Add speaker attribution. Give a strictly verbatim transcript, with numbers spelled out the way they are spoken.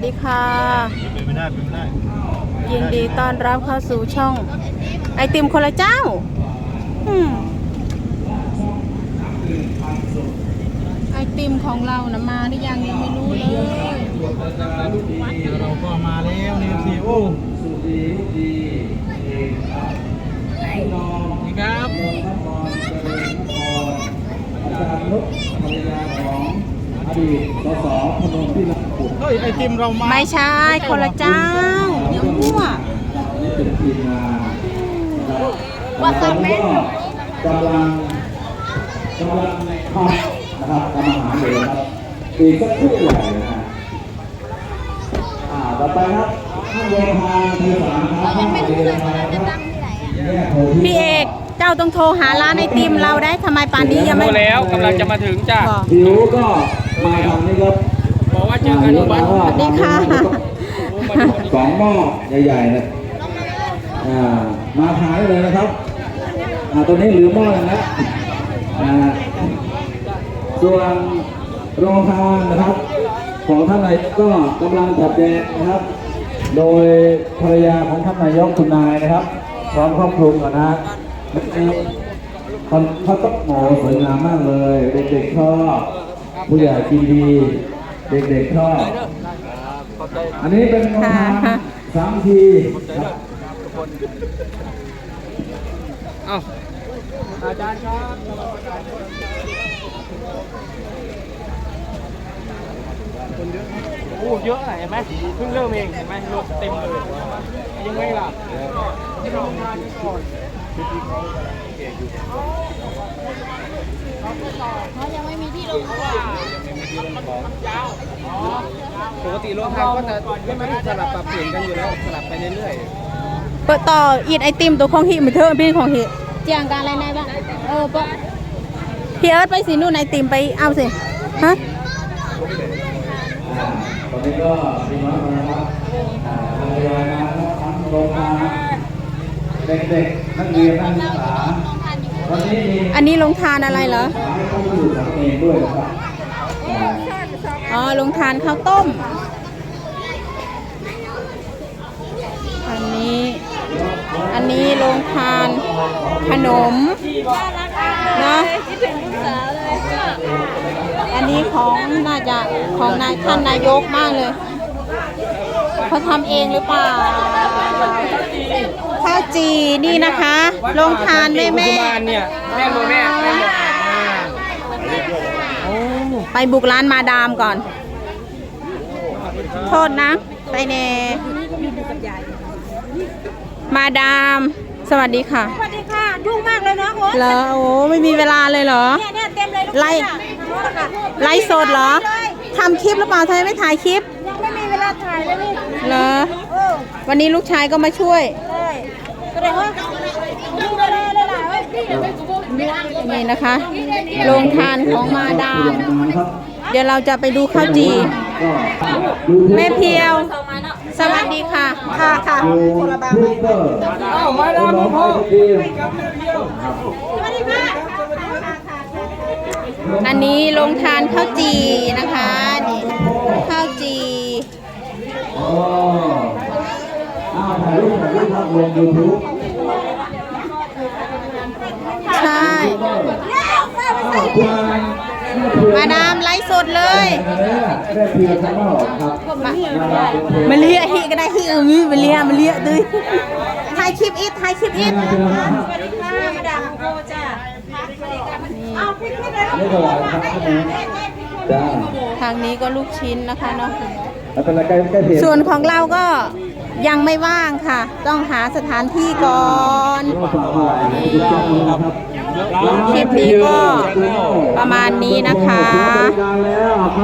Speaker 1: ดีค่ะ
Speaker 2: เป็นไม่ได้เป็นไม่ได้
Speaker 1: ยินดีต้อนรับเข้าสู่ช่องไอติมคนละเจ้าอืมไอติมของเรานะมาหรือยังยังไม่รู้เลย
Speaker 2: เราก็มาแล้วนี่สิโอ้นี่ครับอาจารย์นุชภรรยาของอดีตสสพนมที่รักขุดเฮ้ยไอติมเรามา
Speaker 1: ไม่ใช่คนละเจ้าเดี๋ยวมั่ว
Speaker 2: นี่เป็นทีมงานว่าตอนนี้กำลังกำลังทำนะครับทำอาหารอยู่นะครับอีกสักครู่ใหญ่นะฮะอ่าต่อไปครับท่านโยธาทีสามครับท่านเรียนมาครับ
Speaker 1: พี่เอกเจ้าต้องโทรหาร้านไอติมเราได้ทำไมป่านนี้ยังไม่
Speaker 3: แล้วกำลังจะมาถึงจ้ะ
Speaker 2: หิวก็มาทำนี่ครับ
Speaker 3: บอกว่าเจอกันที่วัด
Speaker 1: สวัสดีค่ะ
Speaker 2: สองหม้อใหญ่ๆเลยอ่ามาทานได้เลยนะครับอ่าตัวนี้เหลือหม้อนึงแล้วอ่าส่วนโรงทานนะครับของท่านนายกก็กำลังจัดแจงนะครับโดยภรรยาของท่านนายกคุณนายนะครับพร้อมครอบครัวก่อนนะคนเขาต้องโหสวยงามมากเลยเด็กๆชอบผู้ใหญ่กินดีเด็กๆชอบอันนี้เป็นโรงทานสามทีครับ
Speaker 3: อ้าวอาจารย์ครับคนเยอะโอ้เยอะเห็นไหมเพิ่งเริ่มเองเห็นไหมรถเต็มเลยยังไงล่ะที่เราทานก่อน
Speaker 1: เขายังไม่มีที่ลงเพราะว่า
Speaker 3: ปกติรถทางก็จะไม่สลับปรับเปลี่ยนกันอยู่แล้วสลับไปเรื่อย
Speaker 1: ๆเปิดต่ออีดไอติมตัวของหิมาเถอะพี่ของหิเจียงการอะไรไหนบ้างเออปะพี่เอิร์ธไปสินู่นไอติมไปเอาสิฮะ
Speaker 2: ตอนนี้ก็มีน้อยมาครับภรรยานะครับทั้งโรงงานเด็กๆนักเรียนนักศึกษาวันนี้มี
Speaker 1: อันนี้ลงทานอะไรเหรอ
Speaker 2: ต้องอยู่กับเองด้วยนะครับ
Speaker 1: อ๋อลงทานข้าวต้มอันนี้อันนี้ลงทานขนมนะอันนี้ของน่าจะของนายท่านนายกมากเลยเขาทำเองหรือเปล่าข้าวจีนี่นะคะลงทานแม่แม่
Speaker 3: เนี่ยแม่โมแม่แม่
Speaker 1: ไปบุกร้านมาดามก่อนโทษนะไปเนมาดามสวัสดีค่ะ
Speaker 4: สวัสดีค่ะยุ่งมากเลยเนาะโอ้
Speaker 1: เหรอโอ้ไม่มีเวลาเลยเหรอ
Speaker 4: เนี่ยเนี่ยเต็มเลย
Speaker 1: ไล่ไล่สดเหรอทำคลิปหรือเปล่าทำไมไม่ถ่ายคลิป
Speaker 4: ยังไม่มีเวลาถ่ายเลยนี่
Speaker 1: เหรอวันนี้ลูกชายก็มาช่วย
Speaker 4: เลยแสดงว่ามีเวลาเลยล่ะเว้ย
Speaker 1: นี่นะคะโรงทานของมาดามเดี๋ยวเราจะไปดูข้าวจีแม่เพียวสวัสดีค่ะค่ะค่ะ
Speaker 2: คนละบางไหมอ้าวมาดามพ่อ
Speaker 1: อันนี้โรงทานข้าวจีนะคะนี่ข้าวจี
Speaker 2: อ๋ออ้าวถ่ายรูปถ่ายรูปภาพรวมยูทูบ
Speaker 1: ใช่มาดามไลฟ์สดเลยมาเลียฮิก็ได้ฮิเออมีมาเลียมาเลียด้วยถ่ายคลิปอีทถ่ายคลิปอีท
Speaker 4: สวัสดีค่ะมาดามโกจ้าเอาพี่พี่เลย
Speaker 1: ทางนี้ก็ลูกชิ้นนะคะเนาะ
Speaker 2: ส่
Speaker 1: วนของเราก็ยังไม่ว่างค่ะต้องหาสถานที่ก่อนคลิปนี้ก็ประมาณนี้นะคะ